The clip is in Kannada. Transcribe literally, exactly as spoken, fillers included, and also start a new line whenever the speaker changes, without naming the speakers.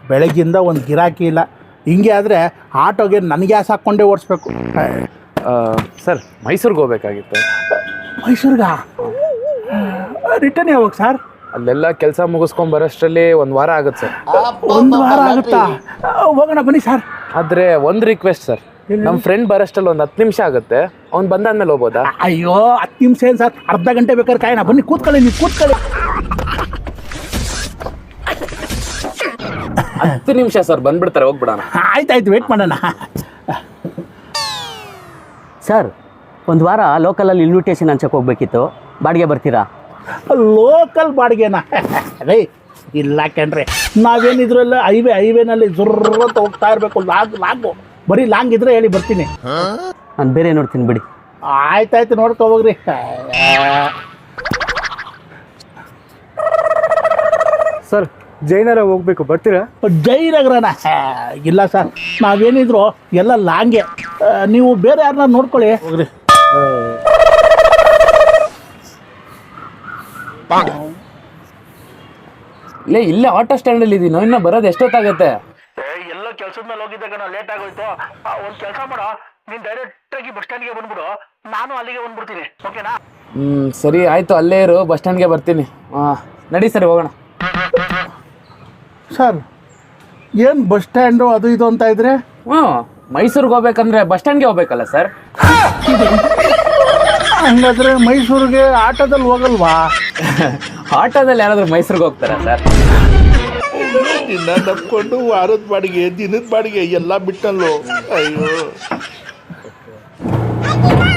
ಬೆಳಗ್ಗಿಂದ ಒಂದು ಗಿರಾಕಿ ಇಲ್ಲ. ಹಿಂಗೆ ಆದರೆ ಆಟೋಗೆ ನನಗೆ ಗ್ಯಾಸ್ ಹಾಕ್ಕೊಂಡೇ ಓಡಿಸ್ಬೇಕು.
ಸರ್ ಮೈಸೂರಿಗೆ ಹೋಗ್ಬೇಕಾಗಿತ್ತು.
ಮೈಸೂರ್ಗ ರಿಟರ್ನ್ ಯಾವಾಗ ಸರ್?
ಅಲ್ಲೆಲ್ಲ ಕೆಲಸ ಮುಗಿಸ್ಕೊಂಡ್ ಬರೋಷ್ಟರಲ್ಲಿ ಒಂದು ವಾರ ಆಗುತ್ತೆ ಸರ್.
ಒಂದು ವಾರ ಆಗುತ್ತಾ? ಹೋಗೋಣ ಬನ್ನಿ ಸರ್.
ಆದರೆ ಒಂದು ರಿಕ್ವೆಸ್ಟ್ ಸರ್, ನಮ್ಮ ಫ್ರೆಂಡ್ ಬರೋಷ್ಟರಲ್ಲಿ ಒಂದು ಹತ್ತು ನಿಮಿಷ ಆಗುತ್ತೆ. ಅವ್ನು ಬಂದಾದ್ಮೇಲೆ ಹೋಗ್ಬೋದಾ?
ಅಯ್ಯೋ ಹತ್ತು ನಿಮಿಷ ಏನು ಸರ್, ಅರ್ಧ ಗಂಟೆ ಬೇಕಾದ್ರೆ ಕಾಯೋಣ. ಬನ್ನಿ ಕೂತ್ಕೊಳ್ಳಿ, ನೀವು ಕೂತ್ಕೊಳ್ಳಿ.
ಹತ್ತು ನಿಮಿಷ ಸರ್, ಬಂದ್ಬಿಡ್ತಾರೆ, ಹೋಗ್ಬಿಡೋಣ.
ಆಯ್ತಾಯ್ತು, ವೇಟ್ ಮಾಡೋಣ.
ಸರ್ ಒಂದು ವಾರ ಲೋಕಲಲ್ಲಿ ಇನ್ವಿಟೇಷನ್ ಹಂಚಕ್ಕೆ ಹೋಗ್ಬೇಕಿತ್ತು, ಬಾಡಿಗೆ ಬರ್ತೀರಾ?
ಲೋಕಲ್ ಬಾಡಿಗೆನಾ? ಅದೇ ಇಲ್ಲ ಕಣ್ರಿ, ನಾವೇನಿದ್ರಲ್ಲ ಹೈವೇ ಹೈವೇನಲ್ಲಿ ಜುರ್ರಂತ ಹೋಗ್ತಾ ಇರಬೇಕು. ಲಾಂಗ್ ಲಾಂಗು ಬರೀ ಲಾಂಗ್ ಇದ್ರೆ ಹೇಳಿ ಬರ್ತೀನಿ.
ನಾನು ಬೇರೆ ನೋಡ್ತೀನಿ ಬಿಡಿ.
ಆಯ್ತಾಯ್ತು, ನೋಡ್ಕೊ ಹೋಗ್ರಿ.
ಸರ್ ಜೈನರ ಹೋಗ್ಬೇಕು, ಬರ್ತೀರಾ?
ಜಯನಗರನ? ಇಲ್ಲ ಸರ್, ನಾವೇನಿದ್ರು ಎಲ್ಲ ಲಾಂಗೆ. ನೀವು ಬೇರೆ ಯಾರನ್ನ ನೋಡ್ಕೊಳ್ಳಿ ಹೋಗ್ರಿ.
ಇಲ್ಲೇ ಇಲ್ಲೇ ಆಟೋ ಸ್ಟ್ಯಾಂಡಲ್ಲಿ ಇದೀನಿ, ಇನ್ನು ಬರೋದು ಎಷ್ಟೊತ್ತಾಗತ್ತೆ?
ಎಲ್ಲ ಕೆಲಸದ ಮೇಲೆ ಹೋಗಿದ್ದೆ ಕಣ, ಲೇಟ್ ಆಗೋಯ್ತು. ಒಂದು ಕೆಲಸ ಮಾಡೋ, ನೀನು ಡೈರೆಕ್ಟಾಗಿ ಬಸ್ ಸ್ಟ್ಯಾಂಡ್ಗೆ ಬಂದ್ಬಿಡು, ನಾನು ಅಲ್ಲಿಗೆ ಬಂದ್ಬಿಡ್ತೀನಿ, ಓಕೆನಾ?
ಹ್ಞೂ ಸರಿ ಆಯಿತು, ಅಲ್ಲೇ ಇರು, ಬಸ್ ಸ್ಟ್ಯಾಂಡ್ಗೆ ಬರ್ತೀನಿ. ಹಾಂ ನಡಿ ಸರಿ, ಹೋಗೋಣ.
ಸರ್ ಏನು ಬಸ್ ಸ್ಟ್ಯಾಂಡು ಅದು ಇದು ಅಂತ ಇದ್ರೆ?
ಹ್ಞೂ ಮೈಸೂರಿಗೆ ಹೋಗ್ಬೇಕಂದ್ರೆ ಬಸ್ ಸ್ಟ್ಯಾಂಡ್ಗೆ ಹೋಗ್ಬೇಕಲ್ಲ ಸರ್?
ಹಂಗಾದ್ರೆ ಮೈಸೂರಿಗೆ ಆಟೋದಲ್ಲಿ ಹೋಗಲ್ವಾ?
ಆಟೋದಲ್ಲಿ ಯಾರಾದರೂ ಮೈಸೂರಿಗೆ ಹೋಗ್ತಾರಾ ಸರ್?
ದಿನ ನಪ್ಕೊಂಡು ವಾರದ ಬಾಡಿಗೆ, ದಿನದ ಬಾಡಿಗೆ ಎಲ್ಲ ಬಿಟ್ಟಲ್ಲೋ. ಅಯ್ಯೋ